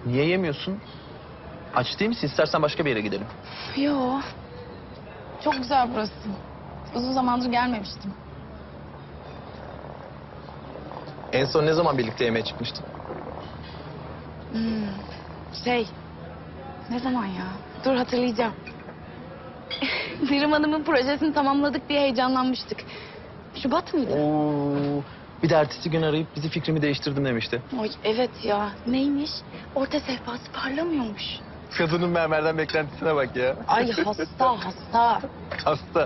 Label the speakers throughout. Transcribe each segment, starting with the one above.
Speaker 1: Niye yemiyorsun? Aç değil misin? İstersen başka bir yere gidelim.
Speaker 2: Yo. Çok güzel burası. Uzun zamandır gelmemiştim.
Speaker 1: En son ne zaman birlikte yemeğe çıkmıştın?
Speaker 2: Ne zaman ya? Dur hatırlayacağım. Dirim Hanım'ın projesini tamamladık diye heyecanlanmıştık. Şubat mıydı?
Speaker 1: Oo, bir de ertesi gün arayıp bizi fikrimi değiştirdim demişti.
Speaker 2: Oy evet ya. Neymiş? Orta sehpası parlamıyormuş.
Speaker 1: Kadının mermerden beklentisine bak ya.
Speaker 2: Ay hasta.
Speaker 1: Hasta.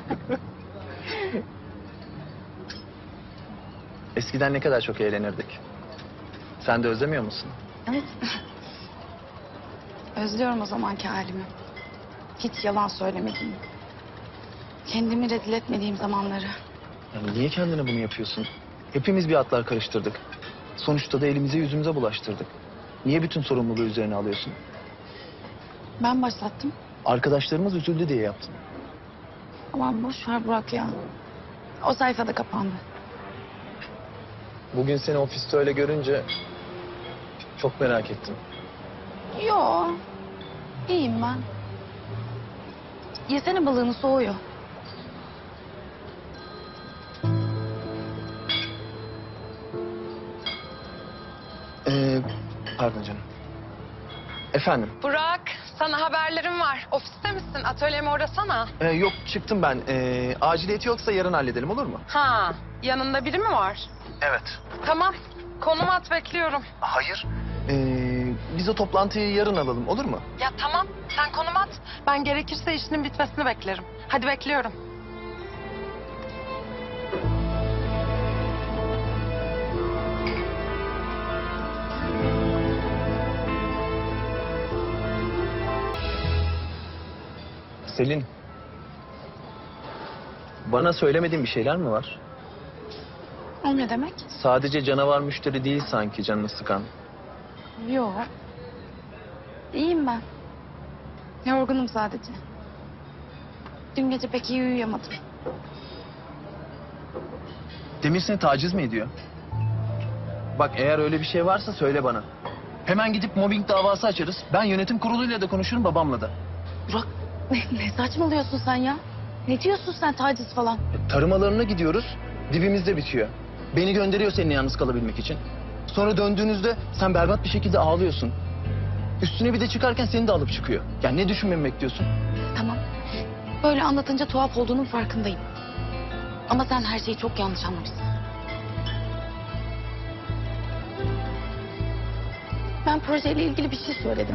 Speaker 1: Eskiden ne kadar çok eğlenirdik. Sen de özlemiyor musun?
Speaker 2: Evet. Özlüyorum o zamanki halimi. Hiç yalan söylemediğim. Kendimi rezil etmediğim zamanları.
Speaker 1: Yani niye kendine bunu yapıyorsun? Hepimiz bir atlar karıştırdık. Sonuçta da elimize yüzümüze bulaştırdık. Niye bütün sorumluluğu üzerine alıyorsun?
Speaker 2: Ben başlattım.
Speaker 1: Arkadaşlarımız üzüldü diye yaptın.
Speaker 2: Aman boş ver Burak ya. O sayfa da kapandı.
Speaker 1: Bugün seni ofiste öyle görünce çok merak ettim.
Speaker 2: Yo. İyiyim ben. Yesene balığını soğuyor.
Speaker 1: Pardon canım. Efendim?
Speaker 3: Burak, sana haberlerim var. Ofiste misin? Atölyeme uğrasana.
Speaker 1: Yok çıktım ben. Aciliyeti yoksa yarın halledelim olur mu?
Speaker 3: Ha, yanında biri mi var?
Speaker 1: Evet.
Speaker 3: Tamam, konum at bekliyorum.
Speaker 1: Hayır. Biz o toplantıyı yarın alalım olur mu?
Speaker 3: Ya tamam, sen konum at. Ben gerekirse işinin bitmesini beklerim. Hadi bekliyorum.
Speaker 1: Selin. Bana söylemediğin bir şeyler mi var?
Speaker 2: O ne demek?
Speaker 1: Sadece canavar müşteri değil sanki canını sıkan.
Speaker 2: Yo. İyiyim ben. Yorgunum sadece. Dün gece pek iyi uyuyamadım.
Speaker 1: Demir seni taciz mi ediyor? Bak eğer öyle bir şey varsa söyle bana. Hemen gidip mobbing davası açarız. Ben yönetim kuruluyla da konuşurum babamla da.
Speaker 2: Burak ne saçmalıyorsun sen ya? Ne diyorsun sen taciz falan?
Speaker 1: Tarımalarına gidiyoruz. Dibimizde bitiyor. Beni gönderiyor seninle yalnız kalabilmek için. Sonra döndüğünüzde sen berbat bir şekilde ağlıyorsun. Üstüne bir de çıkarken seni de alıp çıkıyor. Yani ne düşünmemi bekliyorsun?
Speaker 2: Tamam. Böyle anlatınca tuhaf olduğunun farkındayım. Ama sen her şeyi çok yanlış anlamışsın. Ben projeyle ilgili bir şey söyledim.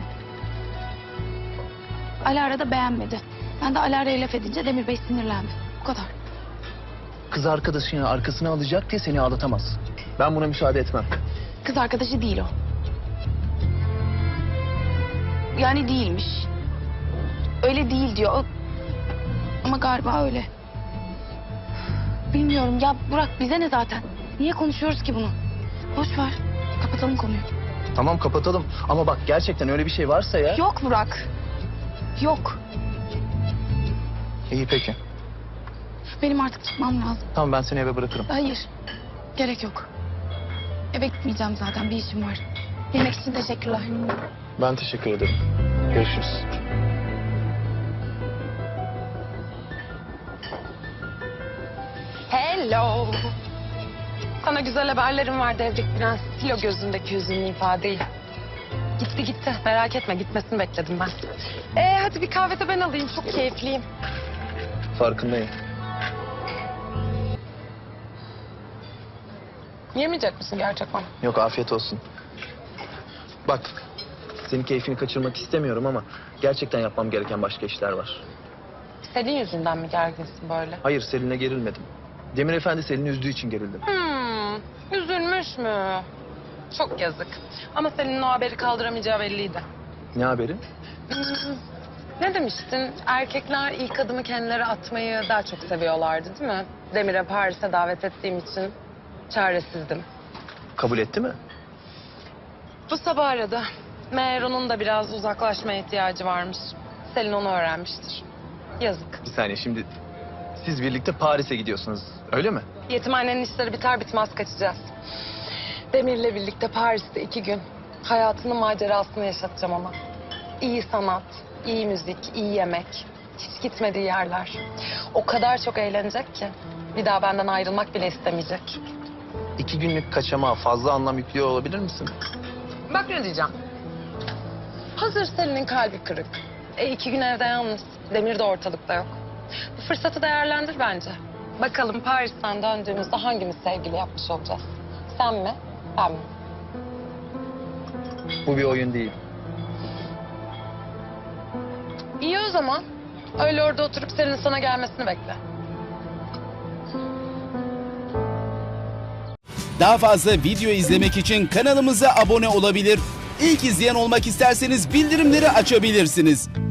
Speaker 2: Alara da beğenmedi. Ben de Alara'ya laf edince Demir Bey sinirlendi. Bu kadar.
Speaker 1: Kız arkadaşını arkasına alacak diye seni ağlatamaz. Ben buna müsaade etmem.
Speaker 2: Kız arkadaşı değil o. Yani değilmiş. Öyle değil diyor. Ama galiba öyle. Bilmiyorum ya Burak bize ne zaten? Niye konuşuyoruz ki bunu? Boş ver. Kapatalım konuyu.
Speaker 1: Tamam kapatalım. Ama bak gerçekten öyle bir şey varsa ya...
Speaker 2: Yok Burak. Yok.
Speaker 1: İyi peki.
Speaker 2: Benim artık çıkmam lazım.
Speaker 1: Tamam ben seni eve bırakırım.
Speaker 2: Hayır. Gerek yok. Eve gitmeyeceğim zaten. Bir işim var. Yemek için teşekkürler.
Speaker 1: Ben teşekkür ederim. Görüşürüz.
Speaker 3: Hello. Sana güzel haberlerim var Devrik Prens. Sil o gözündeki hüzünlü ifadeyi. Gitti. Merak etme, gitmesini bekledim ben. Hadi bir kahve de ben alayım. Çok keyifliyim.
Speaker 1: Farkındayım.
Speaker 3: Yemeyecek misin gerçekten?
Speaker 1: Yok afiyet olsun. Bak senin keyfini kaçırmak istemiyorum ama gerçekten yapmam gereken başka işler var.
Speaker 3: Senin yüzünden mi gerginsin böyle?
Speaker 1: Hayır Selin'e gerilmedim. Demir Efendi Selin'i üzdüğü için gerildim.
Speaker 3: Üzülmüş mü? Çok yazık. Ama senin o haberi kaldıramayacağı belliydi.
Speaker 1: Ne haberi?
Speaker 3: Ne demiştin? Erkekler ilk adımı kendileri atmayı daha çok seviyorlardı değil mi? Demir'e Paris'e davet ettiğim için çaresizdim.
Speaker 1: Kabul etti mi?
Speaker 3: Bu sabah aradı. Meğer onun da biraz uzaklaşmaya ihtiyacı varmış. Selin onu öğrenmiştir. Yazık.
Speaker 1: Bir saniye şimdi siz birlikte Paris'e gidiyorsunuz öyle mi?
Speaker 3: Yetimhanenin işleri biter bitmez kaçacağız. Demir'le birlikte Paris'te 2 gün. Hayatının macerasını yaşatacağım ona. İyi sanat, iyi müzik, iyi yemek. Hiç gitmediği yerler. O kadar çok eğlenecek ki. Bir daha benden ayrılmak bile istemeyecek.
Speaker 1: 2 günlük kaçamağa fazla anlam yüklüyor olabilir misin?
Speaker 3: Bak ne diyeceğim. Hazır Selin'in kalbi kırık. 2 gün evde yalnız. Demir de ortalıkta yok. Bu fırsatı değerlendir bence. Bakalım Paris'ten döndüğümüzde hangimiz sevgili yapmış olacağız? Sen mi, ben mi?
Speaker 1: Bu bir oyun değil.
Speaker 3: İyi o zaman. Öyle orada oturup Selin'in sana gelmesini bekle.
Speaker 4: Daha fazla video izlemek için kanalımıza abone olabilir. İlk izleyen olmak isterseniz bildirimleri açabilirsiniz.